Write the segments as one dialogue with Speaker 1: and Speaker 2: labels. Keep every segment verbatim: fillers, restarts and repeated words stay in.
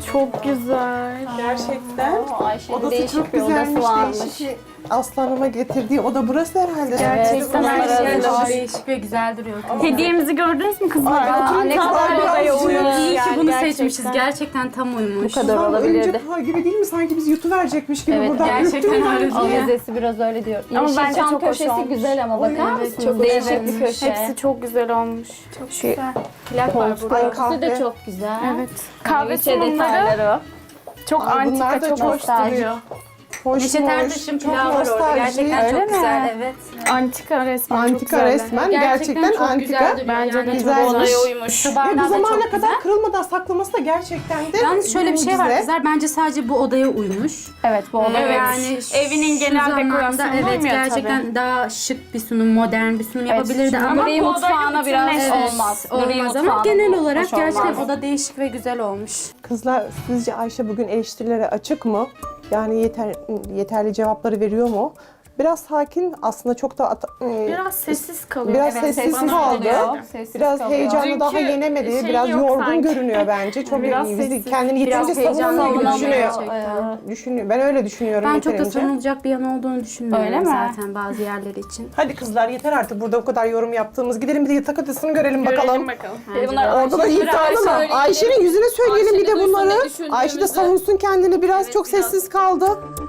Speaker 1: Çok güzel.
Speaker 2: Gerçekten.
Speaker 3: Oo, Ayşe'nin
Speaker 2: Odası
Speaker 3: değişik
Speaker 2: çok
Speaker 3: bir odası
Speaker 2: güzelmiş.
Speaker 3: varmış.
Speaker 2: Değişik. Aslanıma getirdiği oda burası herhalde.
Speaker 1: Gerçekten
Speaker 3: Evet,
Speaker 1: her şey
Speaker 3: evet.
Speaker 1: var.
Speaker 4: Değişik ve güzel duruyor.
Speaker 1: Hediyemizi gördünüz mü kızlar?
Speaker 3: Aa, ne
Speaker 1: Tam
Speaker 3: kadar
Speaker 1: odaya
Speaker 2: güzel.
Speaker 1: uyumuş
Speaker 4: İyi ki
Speaker 1: yani
Speaker 4: bunu
Speaker 1: gerçekten.
Speaker 4: seçmişiz. Gerçekten tam uymuş.
Speaker 3: Bu kadar
Speaker 2: Kızlar
Speaker 3: olabilirdi.
Speaker 2: örümcek ağ gibi değil mi? Sanki biz yutuverecekmiş gibi
Speaker 3: Evet,
Speaker 2: buradan.
Speaker 4: gerçekten
Speaker 2: Yuttum
Speaker 4: öyle
Speaker 2: ben.
Speaker 4: değil.
Speaker 3: Avizesi biraz öyle diyor.
Speaker 1: Ama
Speaker 3: Yeşilçam
Speaker 1: bence çok hoş
Speaker 3: köşesi
Speaker 1: olmuş.
Speaker 3: güzel ama bakar
Speaker 1: Evet,
Speaker 3: mısınız?
Speaker 1: çok
Speaker 3: Değişik
Speaker 1: güzel.
Speaker 3: bir köşe.
Speaker 1: Hepsi çok güzel olmuş. Çok
Speaker 3: Şu
Speaker 1: güzel.
Speaker 4: Plak var burada.
Speaker 2: Ay,
Speaker 3: Kokusu da
Speaker 2: kahve.
Speaker 3: çok güzel.
Speaker 1: Evet. Kahve
Speaker 3: Neşe
Speaker 1: sunumları
Speaker 3: detayları.
Speaker 1: çok
Speaker 2: Ay, bunlar
Speaker 1: antika,
Speaker 2: da
Speaker 1: çok
Speaker 2: çok
Speaker 1: hoş
Speaker 3: nostaljik.
Speaker 1: duruyor.
Speaker 2: Hoş
Speaker 4: Neşet
Speaker 2: hoş.
Speaker 4: Ertaş'ın
Speaker 2: Çok
Speaker 4: pilavı var orada.
Speaker 2: nostalji.
Speaker 4: Gerçekten
Speaker 3: Öyle
Speaker 4: çok
Speaker 3: mi?
Speaker 4: güzel. Evet.
Speaker 1: Antika resmen çok
Speaker 2: Antika
Speaker 1: güzeller.
Speaker 2: resmen. Gerçekten,
Speaker 4: çok
Speaker 2: antika.
Speaker 4: güzel duruyor.
Speaker 1: Bence de
Speaker 2: Güzel.
Speaker 1: çok odaya uymuş.
Speaker 4: Şu
Speaker 2: Ve
Speaker 4: bardağı
Speaker 2: bu
Speaker 4: da
Speaker 2: zamana
Speaker 4: çok
Speaker 2: kadar
Speaker 4: güzel.
Speaker 2: kırılmadan saklaması da gerçekten de
Speaker 4: Yalnız şöyle bir şey var
Speaker 2: mucize.
Speaker 4: kızlar. Bence sadece bu odaya uymuş.
Speaker 3: Evet bu oda.
Speaker 1: Evet.
Speaker 4: Yani
Speaker 1: Evinin
Speaker 4: şu
Speaker 1: genel
Speaker 4: zamanda
Speaker 1: dekorasyonuna
Speaker 4: evet
Speaker 1: uymuyor
Speaker 4: gerçekten
Speaker 1: tabii.
Speaker 4: daha şık bir sunum, modern bir sunum yapabilirdi
Speaker 3: Ama
Speaker 4: ama
Speaker 3: gri
Speaker 1: bu
Speaker 3: mutfağına
Speaker 1: odayla
Speaker 3: biraz
Speaker 1: bütünleşmiş.
Speaker 3: olmaz. Gri
Speaker 4: olmaz ama
Speaker 3: mutfağına
Speaker 4: genel
Speaker 3: hoş
Speaker 4: olarak gerçekten
Speaker 3: olmaz.
Speaker 4: oda değişik ve güzel olmuş.
Speaker 2: Kızlar sizce Ayşe bugün eleştirilere açık mı? Yani yeter, yeterli cevapları veriyor mu? Biraz sakin aslında çok da at- e,
Speaker 1: Biraz sessiz kalıyor.
Speaker 2: biraz
Speaker 1: Evet,
Speaker 2: sessiz
Speaker 1: bana
Speaker 2: kaldı.
Speaker 1: oluyor.
Speaker 3: Sessiz
Speaker 2: Biraz
Speaker 3: kalıyor.
Speaker 2: heyecanlı
Speaker 1: Dünkü
Speaker 2: daha yenemedi.
Speaker 1: şey
Speaker 2: Biraz
Speaker 1: yok
Speaker 2: yorgun
Speaker 1: sanki.
Speaker 2: görünüyor bence. Çok
Speaker 1: Biraz
Speaker 2: iyi. Bizi
Speaker 1: sessiz,
Speaker 2: kendini
Speaker 1: biraz
Speaker 2: yeterince savunamıyor gibi
Speaker 3: savunamıyor.
Speaker 2: düşünüyor.
Speaker 3: Evet.
Speaker 2: Düşünüyor. Ben öyle düşünüyorum
Speaker 4: Ben çok da
Speaker 2: yeterince.
Speaker 4: savunulacak bir yanı olduğunu düşünmüyorum
Speaker 3: Öyle mi?
Speaker 4: zaten bazı yerleri için.
Speaker 2: Hadi kızlar yeter artık burada o kadar yorum yaptığımız. Gidelim bir de yatak odasını görelim bakalım.
Speaker 1: Görelim bakalım.
Speaker 3: Bir de bunlar
Speaker 2: Orada da
Speaker 3: Ayşe'nin
Speaker 2: iddialı mı?
Speaker 3: söyleyelim.
Speaker 2: Ayşe'nin yüzüne söyleyelim bir de
Speaker 5: Ayşe'nin
Speaker 2: bunları.
Speaker 5: duysun, ne düşündüğümüzü.
Speaker 2: Ayşe de savunsun kendini biraz çok
Speaker 5: biraz.
Speaker 2: sessiz kaldı.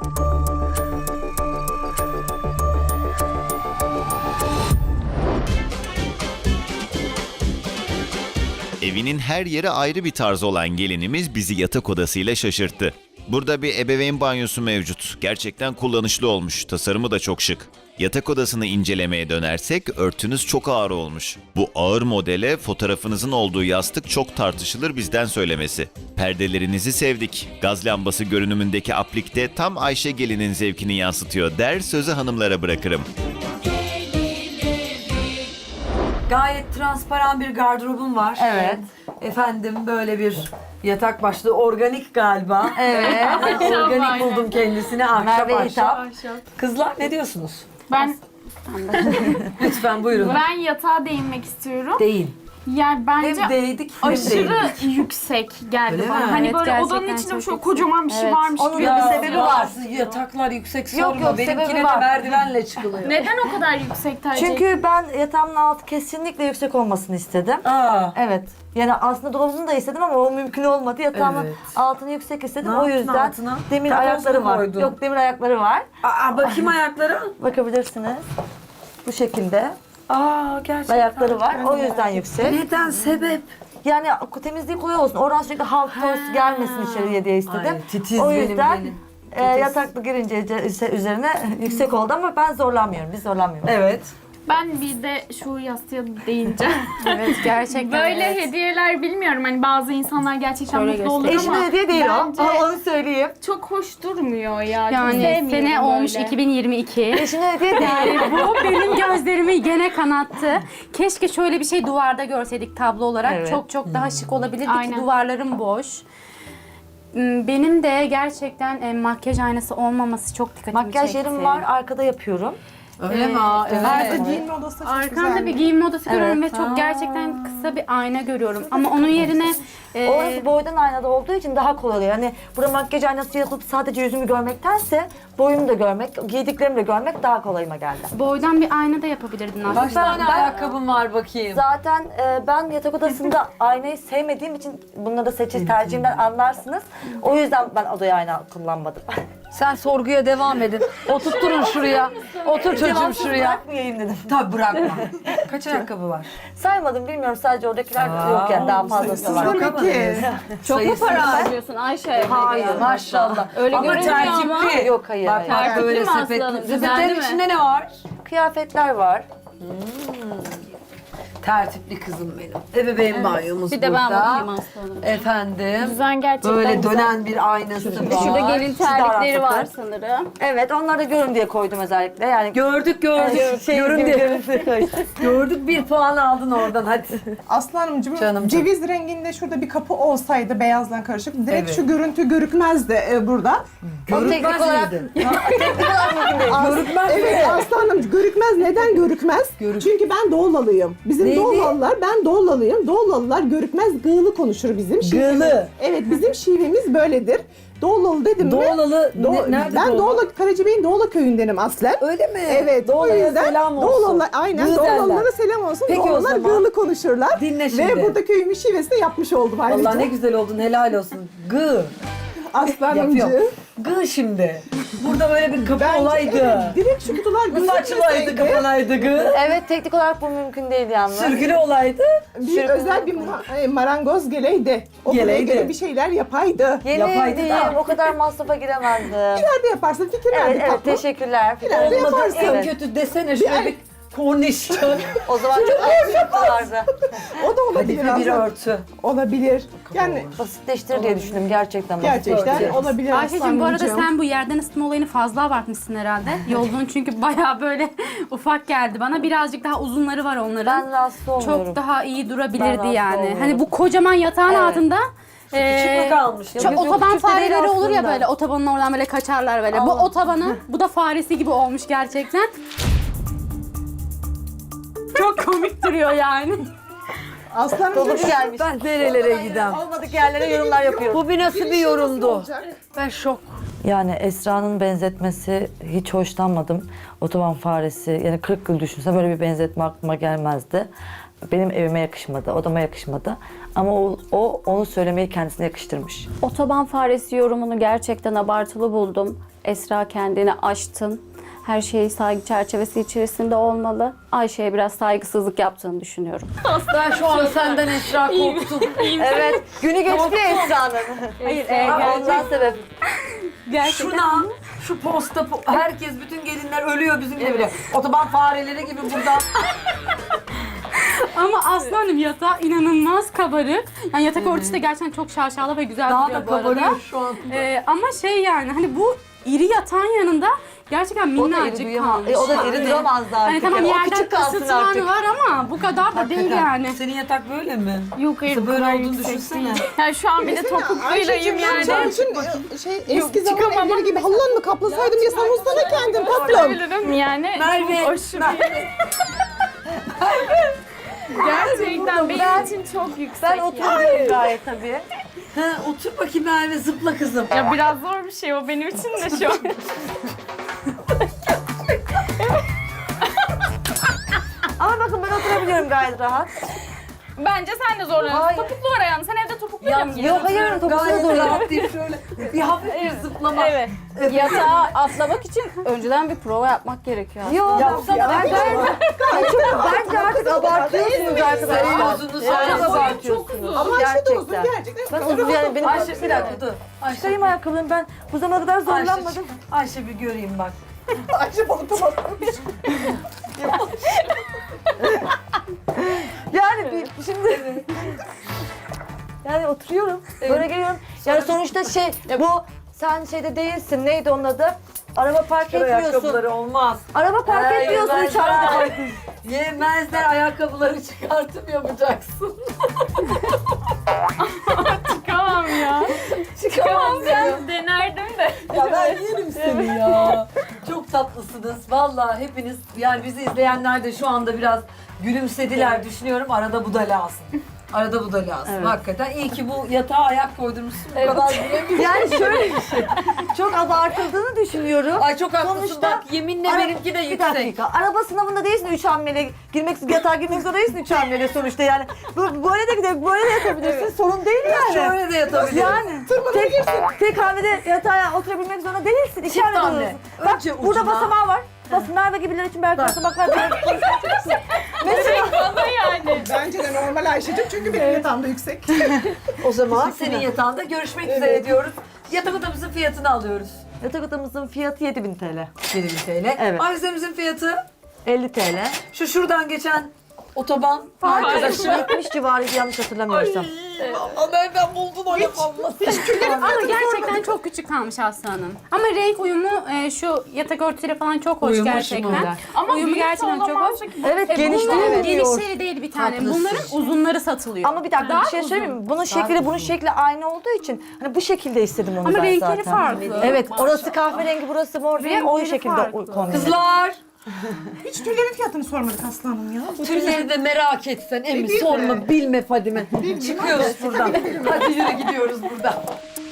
Speaker 6: Evinin her yeri ayrı bir tarz olan gelinimiz bizi yatak odasıyla şaşırttı. Burada bir ebeveyn banyosu mevcut. Gerçekten kullanışlı olmuş. Tasarımı da çok şık. Yatak odasını incelemeye dönersek örtünüz çok ağır olmuş. Bu ağır modele fotoğrafınızın olduğu yastık çok tartışılır bizden söylemesi. Perdelerinizi sevdik. Gaz lambası görünümündeki aplikte tam Ayşe gelinin zevkini yansıtıyor der sözü hanımlara bırakırım.
Speaker 7: Gayet transparan bir gardırobum var.
Speaker 3: Evet.
Speaker 7: Efendim böyle bir yatak başlığı organik galiba. Evet. Organik buldum kendisini ahşap
Speaker 3: Merve
Speaker 7: ahşap. Kızlar ne diyorsunuz?
Speaker 1: Ben
Speaker 7: Lütfen buyurun.
Speaker 1: ben yatağa değinmek istiyorum.
Speaker 7: Değil.
Speaker 1: Yani bence
Speaker 7: Hem değdik hem
Speaker 1: aşırı
Speaker 7: değdik.
Speaker 1: yüksek geldi
Speaker 7: Öyle
Speaker 1: bana.
Speaker 7: mi?
Speaker 1: Hani
Speaker 4: Evet,
Speaker 1: böyle
Speaker 4: gerçekten
Speaker 1: odanın içinde
Speaker 4: çok
Speaker 1: şöyle
Speaker 4: yüksek.
Speaker 1: kocaman bir şey
Speaker 3: Evet.
Speaker 1: varmış
Speaker 3: Onun
Speaker 1: gibi.
Speaker 3: da bir
Speaker 7: Ya,
Speaker 3: sebebi var.
Speaker 7: bazı yataklar yüksek
Speaker 3: Yok,
Speaker 7: sorma.
Speaker 3: yok,
Speaker 7: Benimkine
Speaker 3: sebebi
Speaker 7: de
Speaker 3: var.
Speaker 7: merdivenle çıkılıyor.
Speaker 1: Neden o kadar yüksek tercih?
Speaker 8: Çünkü ben yatağımın altı kesinlikle yüksek olmasını istedim.
Speaker 7: Aa.
Speaker 8: Evet. Yani aslında dolabını da istedim ama o mümkün olmadı. Yatağımın
Speaker 7: Evet.
Speaker 8: altını yüksek istedim.
Speaker 7: Ne
Speaker 8: o
Speaker 7: yaptın
Speaker 8: yüzden
Speaker 7: altına?
Speaker 8: demir
Speaker 7: Takoz mu
Speaker 8: ayakları var.
Speaker 7: koydun?
Speaker 8: Yok, demir ayakları var.
Speaker 7: Aa, bakayım ayaklara.
Speaker 8: Bakabilirsiniz. Bu şekilde
Speaker 7: Aa gerçekten.
Speaker 8: ayakları var. O yüzden yüksek.
Speaker 7: Neden? Sebep?
Speaker 8: Yani temizliği kolay olsun. Oradan sürekli halk toz gelmesin içeriye diye istedim.
Speaker 7: Ay, titiz
Speaker 8: o
Speaker 7: benim,
Speaker 8: yüzden
Speaker 7: benim.
Speaker 8: e, yataklı girince ce- üzerine yüksek oldu ama ben zorlanmıyorum. Biz zorlanmıyoruz.
Speaker 7: Evet.
Speaker 1: Ben bir de şu yastığa değineceğim.
Speaker 4: Evet gerçekten.
Speaker 1: Böyle
Speaker 4: evet.
Speaker 1: hediyeler bilmiyorum. Hani bazı insanlar gerçekten
Speaker 4: Şöyle
Speaker 1: mutlu olur
Speaker 4: göstereyim.
Speaker 1: ama
Speaker 8: Eşime hediye değil
Speaker 1: bence
Speaker 8: o. Ama onu söyleyeyim.
Speaker 1: çok hoş durmuyor ya. Çok
Speaker 4: Yani
Speaker 1: sevmiyorum
Speaker 4: sene olmuş
Speaker 1: böyle.
Speaker 4: iki bin yirmi iki.
Speaker 8: Eşine hediye değil.
Speaker 4: Yani bu benim gözlerimi gene kanattı. Keşke şöyle bir şey duvarda görseydik tablo olarak.
Speaker 8: Evet.
Speaker 4: Çok çok daha şık olabilirdi
Speaker 1: Aynen.
Speaker 4: ki duvarlarım boş. Hmm, Benim de gerçekten e, makyaj aynası olmaması çok dikkatimi
Speaker 8: Makyaj
Speaker 4: çekti.
Speaker 8: yerim var. Arkada yapıyorum.
Speaker 7: Öyle mi? Aa, evet.
Speaker 2: Arka giyinme odası çok
Speaker 4: Arkamda
Speaker 2: güzel.
Speaker 4: bir giyinme odası görüyorum
Speaker 8: Evet.
Speaker 4: ve çok gerçekten kısa bir ayna görüyorum. Ama onun yerine e,
Speaker 8: Orası boydan aynada olduğu için daha kolay oluyor. Yani burada makyaj aynası yapıp sadece yüzümü görmektense boyumu da görmek, giydiklerimi de görmek daha kolayıma geldi.
Speaker 4: boydan bir ayna da yapabilirdin aslında.
Speaker 7: Kaç tane
Speaker 8: Ben-
Speaker 7: ayakkabım var bakayım.
Speaker 8: Zaten e, ben yatak odasında aynayı sevmediğim için bunları da seçim tercihimden anlarsınız. O yüzden ben odaya ayna kullanmadım.
Speaker 7: Sen sorguya devam edin. Oturtturun şuraya. Otur çocuğum
Speaker 8: Cevapsız
Speaker 7: şuraya.
Speaker 8: bırakmayayım dedim.
Speaker 7: Tabii bırakma. Kaç ayakkabı var?
Speaker 8: Saymadım, bilmiyorum, sadece oradakiler
Speaker 7: Aa,
Speaker 8: yok yani, daha fazlası var.
Speaker 2: Demek ki.
Speaker 3: Çok mu para harcıyorsun Ayşe?
Speaker 7: Hayır maşallah.
Speaker 3: Öyle
Speaker 7: ama
Speaker 3: görünmüyor
Speaker 7: tertipli.
Speaker 3: ama.
Speaker 8: Yok, hayır,
Speaker 7: Bak
Speaker 8: hayır.
Speaker 7: bak böyle
Speaker 3: Tertipli mi
Speaker 7: sepetli.
Speaker 3: aslanım?
Speaker 7: Sepetlerin
Speaker 3: Güzel mi?
Speaker 7: içinde ne var?
Speaker 8: Kıyafetler var.
Speaker 7: Tertipli kızım benim. Ebeveyn banyomuz
Speaker 3: Bir de
Speaker 7: burada.
Speaker 3: ben bakayım aslanım.
Speaker 7: Efendim.
Speaker 1: Düzen gerçekten
Speaker 7: Böyle
Speaker 1: güzel.
Speaker 7: dönen bir aynası var.
Speaker 3: Şurada gelin
Speaker 8: Siz daha
Speaker 3: terlikleri
Speaker 8: rahat
Speaker 3: var
Speaker 8: bakın.
Speaker 3: sanırım.
Speaker 8: Evet, onları da görün diye koydum özellikle. Yani
Speaker 7: Gördük gördük.
Speaker 8: şey
Speaker 7: Görün
Speaker 8: gibi
Speaker 7: diye.
Speaker 8: görüntü koydum.
Speaker 7: Gördük bir puan aldın oradan hadi.
Speaker 2: Aslanımcığım
Speaker 7: Canım,
Speaker 2: ceviz renginde şurada bir kapı olsaydı beyazdan karışık direkt
Speaker 7: Evet.
Speaker 2: şu görüntü görükmezdi e, burada.
Speaker 8: O teknik olarak,
Speaker 7: miydi?
Speaker 8: teknik olarak mümkün değil.
Speaker 2: As-
Speaker 7: Görükmez
Speaker 2: evet
Speaker 7: mi?
Speaker 2: aslanım görükmez. Neden görükmez?
Speaker 7: Görük-
Speaker 2: Çünkü ben Doğulalıyım. Bizim
Speaker 7: Neymiş Neydi?
Speaker 2: Doğulalılar, ben Doğulalıyım. Doğulalılar görükmez gığlı konuşur bizim şivemiz.
Speaker 7: Gığlı.
Speaker 2: Evet, bizim şivemiz böyledir. Doğulalı dedim mi?
Speaker 7: Doğulalı,
Speaker 2: Doğ-
Speaker 7: ne- nerede
Speaker 2: ben
Speaker 7: Doğulu?
Speaker 2: Doğula, Karacabey'in Doğula köyündenim aslen.
Speaker 7: Öyle mi?
Speaker 2: Evet, o
Speaker 7: Doğulu'ya
Speaker 2: yüzden
Speaker 7: selam olsun.
Speaker 2: Doğulalılar, aynen
Speaker 7: Gığ
Speaker 2: Doğulalılara
Speaker 7: derler.
Speaker 2: selam olsun.
Speaker 7: Peki o
Speaker 2: Doğulalılar
Speaker 7: zaman.
Speaker 2: gığlı konuşurlar.
Speaker 7: Dinle şimdi.
Speaker 2: Ve burada köyümün şivesini yapmış oldum ayrıca.
Speaker 7: Allah ne güzel oldun, helal olsun. Gı.
Speaker 2: Aslanımcı.
Speaker 7: Yapıyorum. Gı şimdi. Burada böyle bir kapı
Speaker 2: Bence
Speaker 7: olaydı.
Speaker 2: evet, direkt şu kutular
Speaker 7: Nasıl açılaydı,
Speaker 2: gözükmeseydi,
Speaker 7: kapanaydı gı.
Speaker 8: Evet, teknik olarak bu mümkün değil yalnız.
Speaker 7: Sürgülü olaydı.
Speaker 2: bir
Speaker 8: Sürgün
Speaker 2: özel bir ma- e, marangoz geleydi. O buraya
Speaker 7: Geleydi.
Speaker 2: göre bir şeyler yapaydı.
Speaker 7: Yapaydı
Speaker 8: Yemin
Speaker 7: da.
Speaker 8: o kadar masrafa giremezdim.
Speaker 2: Nerede yaparsın? Fikir
Speaker 8: Evet,
Speaker 2: verdi
Speaker 8: evet,
Speaker 2: tatlım.
Speaker 8: teşekkürler.
Speaker 2: İleride
Speaker 7: Olmadı
Speaker 2: yaparsın.
Speaker 7: en
Speaker 8: Evet.
Speaker 7: kötü desene şöyle bir korniş.
Speaker 8: O zaman çok masraf vardı.
Speaker 2: O da olabilir
Speaker 7: Kadife bir
Speaker 2: aslında.
Speaker 7: örtü.
Speaker 2: Olabilir. Yani
Speaker 8: Basitleştir diye düşündüm gerçekten.
Speaker 2: gerçekten
Speaker 8: basitleştir.
Speaker 2: olabilir
Speaker 4: Ayşe'cim bu arada
Speaker 2: aslanımcığım.
Speaker 4: sen bu yerden ısıtma olayını fazla abartmışsın herhalde. Yolduğun çünkü bayağı böyle ufak geldi bana. Birazcık daha uzunları var onların.
Speaker 8: Ben rahatsız olmuyorum.
Speaker 4: Çok daha iyi
Speaker 8: Ben
Speaker 4: durabilirdi
Speaker 8: rahatsız
Speaker 4: yani.
Speaker 8: olmuyorum.
Speaker 4: Hani bu kocaman yatağın
Speaker 8: Evet.
Speaker 4: altında
Speaker 7: Küçük
Speaker 4: eee,
Speaker 7: mü kalmış?
Speaker 4: çok
Speaker 8: Yok, yok,
Speaker 4: otoban
Speaker 8: küçük de değil
Speaker 4: fareleri olur ya
Speaker 8: aslında.
Speaker 4: böyle otobanın oradan böyle kaçarlar böyle. Bu
Speaker 8: Anladım.
Speaker 4: otobanı, bu da faresi gibi olmuş gerçekten. Çok komik duruyor yani.
Speaker 2: Aslanımcığım
Speaker 8: Dolu
Speaker 2: şu-
Speaker 8: gelmiş.
Speaker 7: Ben nerelere gidem?
Speaker 8: Olmadık yerlere yorumlar yapıyorum.
Speaker 7: Bu bir nasıl bir yorumdu?
Speaker 2: olacak?
Speaker 7: Ben şok.
Speaker 8: Yani Esra'nın benzetmesi hiç hoşlanmadım. Otoban faresi, yani kırk yıl düşünsem böyle bir benzetme aklıma gelmezdi. Benim evime yakışmadı, odama yakışmadı. Ama o, o onu söylemeyi kendisine yakıştırmış.
Speaker 3: Otoban faresi yorumunu gerçekten abartılı buldum. Esra kendini aştın. Her şey saygı çerçevesi içerisinde olmalı. Ayşe'ye biraz saygısızlık yaptığını düşünüyorum.
Speaker 7: Ben şu an senden Esra korktum.
Speaker 8: Evet, günü geçti ya Esra'nın.
Speaker 4: Hayır, e,
Speaker 8: Ondan sebep.
Speaker 4: gerçekten.
Speaker 7: Şuna, şu posta, po- herkes, bütün gelinler ölüyor bizim evde. Otoban fareleri gibi burada.
Speaker 4: Ama aslanım yatağı inanılmaz kabarık. Yani yatak örtüsü de gerçekten çok şaşalı ve güzel
Speaker 7: Daha
Speaker 4: duruyor
Speaker 7: da
Speaker 4: bu arada.
Speaker 7: kabarıyor şu an.
Speaker 4: Ee, ama şey yani hani bu iri yatağın yanında gerçekten
Speaker 8: O da iri
Speaker 4: minnacık
Speaker 8: duyamaz.
Speaker 4: kalmış.
Speaker 8: E, o da iri duramazdı artık.
Speaker 4: Hani tamam
Speaker 8: Yani. O
Speaker 4: yerden
Speaker 8: küçük kalsın
Speaker 4: ısıtmanı
Speaker 8: artık.
Speaker 4: var ama bu kadar da değil yani.
Speaker 7: Senin yatak böyle mi?
Speaker 1: Yok hayır
Speaker 7: Mesela
Speaker 1: bu
Speaker 7: böyle
Speaker 1: kadar
Speaker 7: olduğunu
Speaker 1: yüksek
Speaker 7: düşünsene.
Speaker 1: değil. Yani şu an bir de
Speaker 2: Mesela
Speaker 1: topukluylayım
Speaker 2: Ayşe'cim,
Speaker 1: yani.
Speaker 2: senin için e, şey, eski zaman
Speaker 1: çıkamam.
Speaker 2: evleri gibi halıdan mı kaplasaydım ya savunsana kendin tatlım.
Speaker 1: Bilirim yani.
Speaker 7: Merve,
Speaker 1: çok aşırı. Gerçekten benim için çok yüksek.
Speaker 8: Ben
Speaker 1: yani.
Speaker 8: oturuyorum gayet tabii.
Speaker 7: Ha, otur bakayım Merve, zıpla kızım.
Speaker 1: Ya biraz zor bir şey o benim için de şu an.
Speaker 8: Ama bakın ben oturabiliyorum gayet rahat.
Speaker 1: Bence sen de zorlanırsın.
Speaker 8: Hayır.
Speaker 1: Topuklu var ayağında. Sen evde topukluyla mı
Speaker 8: Yok
Speaker 1: giyiyorsun?
Speaker 8: hayır, topuklu
Speaker 7: Gayet
Speaker 8: zorlanıyorum.
Speaker 7: rahat değil şöyle. Bir hafif bir zıplama.
Speaker 3: Evet. Yatağa atlamak için önceden bir prova yapmak gerekiyor.
Speaker 8: Yok,
Speaker 7: Yapsana.
Speaker 8: ben gayet... Bence artık abartıyorsunuz arkadaşlar.
Speaker 7: Senin uzunluğu söyle.
Speaker 8: Çok abartıyorsunuz.
Speaker 2: Ama Ayşe de uzun
Speaker 8: Gerçekten.
Speaker 2: gerçekten.
Speaker 8: Ben uzun yani benim...
Speaker 7: Ayşe bir dakika dur. Ayşe,
Speaker 8: Çıkarayım ayakkabılarımı, ben bu zamana kadar
Speaker 7: Ayşe,
Speaker 8: zorlanmadım.
Speaker 7: Ayşe bir göreyim bak.
Speaker 2: Ayşe balık tabakmış.
Speaker 8: Yani bir, şimdi... Yani oturuyorum, böyle geliyorum. Yani sonuçta şey, bu sen şeyde değilsin, neydi onun adı? Araba park etmiyorsun.
Speaker 7: Ayakkabıları olmaz.
Speaker 8: Araba park
Speaker 7: Ay,
Speaker 8: etmiyorsun
Speaker 7: ben-
Speaker 8: üç ayda.
Speaker 7: Yemezler, ayakkabıları çıkartım yapacaksın.
Speaker 1: Çıkamam ya.
Speaker 7: Çıkamam ya.
Speaker 1: Denerdim de.
Speaker 7: Ya ben yerim seni ya. Çok tatlısınız. Vallahi hepiniz, yani bizi izleyenler de şu anda biraz gülümsediler düşünüyorum. Arada bu da lazım. Arada bu da lazım. Hakikaten iyi ki bu yatağa ayak koydurmuşsun. Bu kadar gülebilirim.
Speaker 8: Yani şöyle bir şey, çok abartıldığını düşünüyorum.
Speaker 7: Ay çok haklısın
Speaker 8: Sonuçta-
Speaker 7: bak, yeminle
Speaker 8: Ara-
Speaker 7: benimki de
Speaker 8: Bir
Speaker 7: yüksek.
Speaker 8: dakika, araba sınavında değilsin üç hamlele girmek, yatağa girmek zorunda değilsin üç hamlele sonuçta yani. Bu, böyle de gidelim, böyle de yapabilirsin, sorun değil yani.
Speaker 7: Şöyle de yatabilirim.
Speaker 8: Yani tek, tek hamlede yatağa oturabilmek zorunda değilsin. İki
Speaker 7: Çift
Speaker 8: hamle
Speaker 7: hamle.
Speaker 8: durursun. Bak
Speaker 7: Önce
Speaker 8: burada
Speaker 7: ucuna.
Speaker 8: basamağı var. Bas Merve gibiler için belki basamaklar böyle konuşacaksın. Mesela
Speaker 1: Bana yani.
Speaker 2: Bence de normal Ayşe'cim çünkü benim yatağımda yüksek.
Speaker 7: O zaman senin yatağında görüşmek üzere diyoruz. Yatak odamızın fiyatını alıyoruz.
Speaker 8: yatak odamızın fiyatı yedi bin T L.
Speaker 7: yedi bin T L.
Speaker 8: Evet.
Speaker 7: Avizemizin fiyatı
Speaker 8: elli T L.
Speaker 7: şu şuradan geçen otoban arkadaşım.
Speaker 8: yetmiş civarıydı yanlış hatırlamıyorsam.
Speaker 7: Ama nereden buldun o laf olmasın?
Speaker 4: Ama gerçekten çok küçük kalmış Aslı Hanım. Ama renk uyumu e, şu yatak örtüsüyle falan çok hoş
Speaker 7: Uyumu
Speaker 4: gerçekten.
Speaker 7: şunlar.
Speaker 1: Ama
Speaker 4: uyumu
Speaker 1: büyük
Speaker 4: gerçekten çok hoş.
Speaker 1: olamazsa ki bu-
Speaker 8: Evet,
Speaker 4: E,
Speaker 8: geniş
Speaker 4: bunların
Speaker 8: değil.
Speaker 4: genişleri değil bir tane.
Speaker 7: Haklısın.
Speaker 4: Bunların uzunları satılıyor.
Speaker 8: Ama bir dakika
Speaker 4: Daha
Speaker 8: bir şey
Speaker 4: uzun.
Speaker 8: söyleyeyim mi? Bunun şekli bunun şekli aynı olduğu için hani bu şekilde istedim onu
Speaker 4: Ama
Speaker 8: ben
Speaker 4: renkleri
Speaker 8: zaten.
Speaker 4: farklı.
Speaker 8: Evet, orası kahverengi, burası mor diye o
Speaker 4: Renkleri
Speaker 8: şekilde
Speaker 4: farklı.
Speaker 8: kombinledim.
Speaker 7: Kızlar
Speaker 2: Hiç tüllerin fiyatını sormadık Aslı Hanım ya.
Speaker 7: Tülleri de merak etsen Emi sorma bilme Fadime. Çıkıyoruz buradan. Hadi yürü gidiyoruz buradan.